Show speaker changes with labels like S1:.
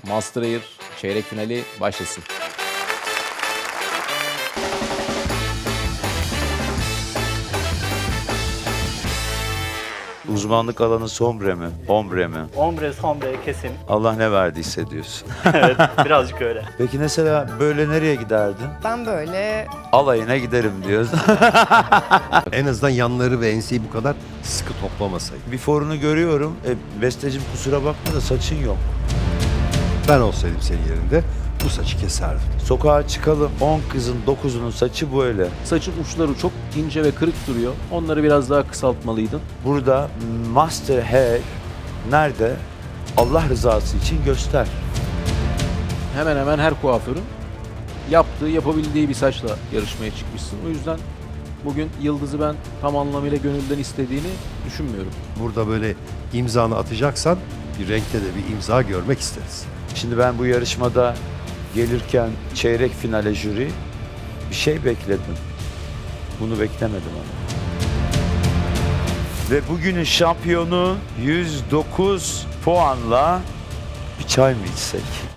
S1: Master Air çeyrek finali başlasın.
S2: Uzmanlık alanı sombre mi? Ombre mi?
S3: Ombre, sombre, kesim.
S2: Allah ne verdiyse diyorsun.
S3: Evet, birazcık öyle.
S2: Peki mesela böyle nereye giderdin?
S4: Ben böyle
S2: Alayına giderim diyorsun.
S5: En azından yanları ve enseyi bu kadar sıkı toplamasaydı.
S2: Bir forunu görüyorum. Bestecim kusura bakma da saçın yok.
S5: Ben olsaydım senin yerinde bu saçı keserdim.
S2: Sokağa çıkalım. 10 kızın 9'unun saçı böyle.
S1: Saçın uçları çok ince ve kırık duruyor. Onları biraz daha kısaltmalıydın.
S2: Burada Master Hair nerede? Allah rızası için göster.
S1: Hemen hemen her kuaförün yapabildiği bir saçla yarışmaya çıkmışsın. O yüzden bugün Yıldız'ı ben tam anlamıyla gönülden istediğini düşünmüyorum.
S5: Burada böyle imzanı atacaksan bir renkte de bir imza görmek isteriz.
S2: Şimdi ben bu yarışmada gelirken çeyrek finale jüri bir şey bekledim. Bunu beklemedim ama. Ve bugünün şampiyonu 109 puanla bir çay mı içsek?